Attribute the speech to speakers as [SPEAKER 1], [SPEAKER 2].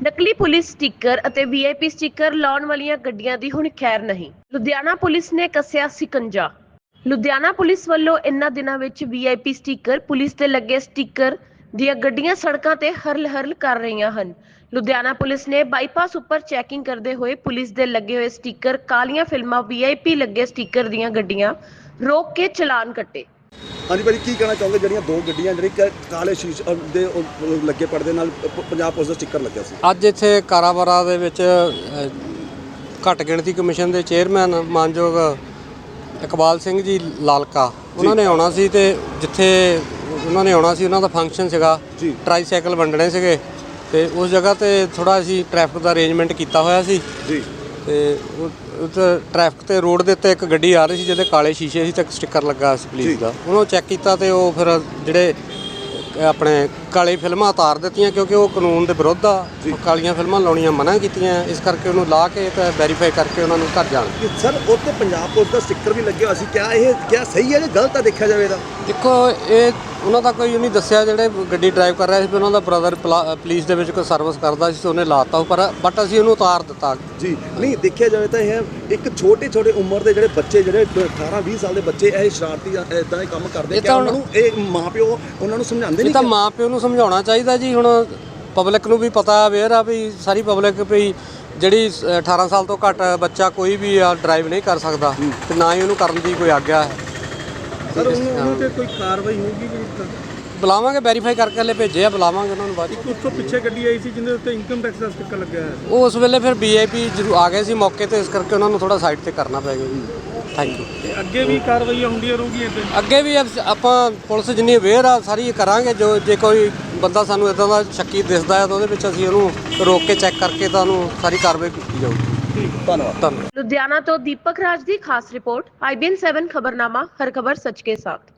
[SPEAKER 1] ਨਕਲੀ police sticker ਅਤੇ VIP sticker ਲਾਉਣ ਵਾਲੀਆਂ ਗੱਡੀਆਂ ਦੀ ਹੁਣ ਖੈਰ ਨਹੀਂ। ਲੁਧਿਆਣਾ ਪੁਲਿਸ ਨੇ ਕੱਸਿਆ ਸਿਕੰਜਾ। ਲੁਧਿਆਣਾ ਪੁਲਿਸ ਵੱਲੋਂ ਇਨ੍ਹਾਂ ਦਿਨਾਂ ਵਿੱਚ ਵੀਆਈਪੀ ਸਟicker, ਪੁਲਿਸ ਤੇ ਲੱਗੇ ਸਟicker ਦੀਆਂ ਗੱਡੀਆਂ ਸੜਕਾਂ ਤੇ ਹਰਲ-ਹਰਲ ਕਰ ਰਹੀਆਂ ਹਨ। ਲੁਧਿਆਣਾ ਪੁਲਿਸ ਨੇ ਬਾਈਪਾਸ ਉੱਪਰ ਚੈਕਿੰਗ ਕਰਦੇ ਹੋਏ ਪੁਲਿਸ ਦੇ ਲੱਗੇ ਹੋਏ ਸਟicker, ਕਾਲੀਆਂ ਫਿਲਮਾਂ, ਵੀਆਈਪੀ ਲੱਗੇ ਸਟicker ਦੀਆਂ ਗੱਡੀਆਂ ਰੋਕ ਕੇ ਚਲਾਨ ਕੱਟੇ।
[SPEAKER 2] ਹਾਂਜੀ ਭਾਜੀ, ਕੀ ਕਹਿਣਾ ਚਾਹੋਗੇ ਜਿਹੜੀਆਂ ਦੋ ਗੱਡੀਆਂ ਜਿਹੜੀ ਕਾਲੇ ਸ਼ੀਸ਼ੇ ਦੇ ਲੱਗੇ ਪਰਦੇ ਨਾਲ ਪੰਜਾਬ ਪੁਲਿਸ ਦਾ ਸਟicker ਲੱਗਿਆ ਸੀ?
[SPEAKER 3] ਅੱਜ ਇੱਥੇ ਕਾਰਾਬਾਰਾ ਦੇ ਵਿੱਚ ਘੱਟ ਗਿਣਤੀ ਕਮਿਸ਼ਨ ਦੇ ਚੇਅਰਮੈਨ ਮਾਨਯੋਗ ਇਕਬਾਲ ਸਿੰਘ ਜੀ ਲਾਲਕਾ ਉਹਨਾਂ ਨੇ ਆਉਣਾ ਸੀ, ਤੇ ਜਿੱਥੇ ਉਹਨਾਂ ਨੇ ਆਉਣਾ ਸੀ ਉਹਨਾਂ ਦਾ ਫੰਕਸ਼ਨ ਸੀਗਾ, ਟਰਾਈਸਾਈਕਲ ਵੰਡਣੇ ਸੀਗੇ, ਤੇ ਉਸ ਜਗ੍ਹਾ ਤੇ ਥੋੜਾ ਅਸੀਂ ਟ੍ਰੈਫਿਕ ਦਾ ਅਰੇਂਜਮੈਂਟ ਕੀਤਾ ਹੋਇਆ ਸੀ ਜੀ। ਤੇ ਉੱਥੇ ਟ੍ਰੈਫਿਕ ਤੇ ਰੋਡ ਦੇ ਉੱਤੇ ਇੱਕ ਗੱਡੀ ਆ ਰਹੀ ਸੀ ਜਿਹਦੇ ਕਾਲੇ ਸ਼ੀਸ਼ੇ ਸੀ ਤੇ ਇੱਕ ਸਟicker ਲੱਗਾ ਸੀ ਪੁਲਿਸ ਦਾ। ਉਹਨੂੰ ਚੈੱਕ ਕੀਤਾ ਤੇ ਉਹ ਫਿਰ ਜਿਹੜੇ ਆਪਣੇ ਕਾਲੀ ਫਿਲਮਾਂ ਉਤਾਰ ਦਿੱਤੀਆਂ, ਕਿਉਂਕਿ ਉਹ ਕਾਨੂੰਨ ਦੇ ਵਿਰੁੱਧ ਆ। ਕਾਲੀਆਂ ਫਿਲਮਾਂ ਲਾਉਣੀਆਂ ਮਨਾ ਕੀਤੀਆਂ, ਇਸ ਕਰਕੇ ਉਹਨੂੰ ਲਾ ਕੇ ਤੇ ਵੈਰੀਫਾਈ ਕਰਕੇ ਉਹਨਾਂ ਨੂੰ ਘਰ ਜਾਣ।
[SPEAKER 2] ਸਰ ਉੱਤੇ ਪੰਜਾਬ ਪੁਲਿਸ ਦਾ ਸਟicker ਵੀ ਲੱਗਿਆ ਹੋਇਆ ਸੀ, ਕਿਆ ਸਹੀ ਹੈ ਜਾਂ ਗਲਤ ਆ ਦੇਖਿਆ ਜਾਵੇ ਤਾਂ?
[SPEAKER 3] ਦੇਖੋ, ਇਹ ਉਹਨਾਂ ਦਾ ਕੋਈ ਨਹੀਂ ਦੱਸਿਆ, ਜਿਹੜੇ ਗੱਡੀ ਡਰਾਈਵ ਕਰ ਰਿਹਾ ਸੀ ਉਹਨਾਂ ਦਾ ਬ੍ਰਦਰ ਪੁਲਿਸ ਦੇ ਵਿੱਚ ਕੋਈ ਸਰਵਿਸ ਕਰਦਾ ਸੀ, ਉਹਨੇ ਲਾਤਾ ਬਟ ਅਸੀਂ ਉਹਨੂੰ ਉਤਾਰ ਦਿੱਤਾ
[SPEAKER 2] ਜੀ। ਨਹੀਂ, ਦੇਖਿਆ ਜਾਵੇ ਤਾਂ ਇਹ ਇੱਕ ਛੋਟੇ ਉਮਰ ਦੇ ਜਿਹੜੇ ਬੱਚੇ, ਜਿਹੜੇ 18-20 ਸਾਲ ਦੇ ਬੱਚੇ ਇਹ ਸ਼ਰਾਰਤੀ ਇਦਾਂ ਦੇ ਕੰਮ ਕਰਦੇ, ਕਿ ਉਹਨਾਂ ਨੂੰ ਇਹ ਮਾਂ-ਪਿਓ ਉਹਨਾਂ ਨੂੰ ਸਮਝਾਉਂਦੇ ਨਹੀਂ?
[SPEAKER 3] ਤਾਂ ਮਾਂ-ਪਿਓ ਨੂੰ ਸਮਝਾਉਣਾ ਚਾਹੀਦਾ ਜੀ। ਹੁਣ ਪਬਲਿਕ ਨੂੰ ਵੀ ਪਤਾ ਅਵੇਅਰ ਆ ਵੀ ਸਾਰੀ ਪਬਲਿਕ ਵੀ ਜਿਹੜੀ 18 ਸਾਲ ਤੋਂ ਘੱਟ ਬੱਚਾ ਕੋਈ ਵੀ ਆ ਡਰਾਈਵ ਨਹੀਂ ਕਰ ਸਕਦਾ, ਤੇ ਨਾ ਹੀ ਉਹਨੂੰ ਕਰਨ ਦੀ ਕੋਈ ਆਗਿਆ ਹੈ।
[SPEAKER 2] ਸਰ ਉਹਨਾਂ ਤੇ ਕੋਈ ਕਾਰਵਾਈ ਹੋਊਗੀ?
[SPEAKER 3] ਬੁਲਾਵਾਂਗੇ, ਵੈਰੀਫਾਈ ਕਰਕੇ ਹਲੇ ਭੇਜੇ ਆ, ਬੁਲਾਵਾਂਗੇ ਉਹਨਾਂ ਨੂੰ ਬਾਅਦ।
[SPEAKER 2] ਇੱਕ ਉਸ ਤੋਂ ਪਿੱਛੇ ਗੱਡੀ ਆਈ ਸੀ ਜਿਹਦੇ ਉੱਤੇ ਇਨਕਮ ਟੈਕਸ ਦਾ ਸਟicker ਲੱਗਿਆ ਹੈ,
[SPEAKER 3] ਉਹ ਉਸ ਵੇਲੇ ਫਿਰ ਵੀਆਈਪੀ ਜ਼ਰੂਰ ਆ ਗਏ ਸੀ ਮੌਕੇ ਤੇ, ਇਸ ਕਰਕੇ ਉਹਨਾਂ ਨੂੰ ਥੋੜਾ ਸਾਈਡ ਤੇ ਕਰਨਾ ਪੈ ਗਿਆ ਜੀ। Thank you.
[SPEAKER 2] ਅੱਗੇ ਵੀ ਕਾਰਵਾਈਆਂ ਹੁੰਦੀਆਂ ਰਹੂਗੀਆਂ ਇੱਥੇ?
[SPEAKER 3] ਅੱਗੇ ਵੀ ਆਪਾਂ ਪੁਲਿਸ ਜਿੰਨੀ ਅਵੇਅਰ ਆ ਸਾਰੀ ਕਰਾਂਗੇ। ਜੇ ਕੋਈ ਬੰਦਾ ਸਾਨੂੰ ਇੱਦਾਂ ਦਾ ਸ਼ੱਕੀ ਦਿਸਦਾ ਹੈ ਤਾਂ ਉਹਦੇ ਵਿੱਚ ਅਸੀਂ ਉਹਨੂੰ ਰੋਕ ਕੇ ਚੈੱਕ ਕਰਕੇ ਤਾਂ ਉਹਨੂੰ ਸਾਰੀ ਕਾਰਵਾਈ ਕੀਤੀ ਜਾਊਗੀ।
[SPEAKER 2] ਧੰਨਵਾਦ।
[SPEAKER 1] ਲੁਧਿਆਣਾ ਤੋਂ ਦੀਪਕ ਰਾਜ ਦੀ ਖਾਸ ਰਿਪੋर्ट, IBN 7 खबरनामा, हर खबर सच के साथ।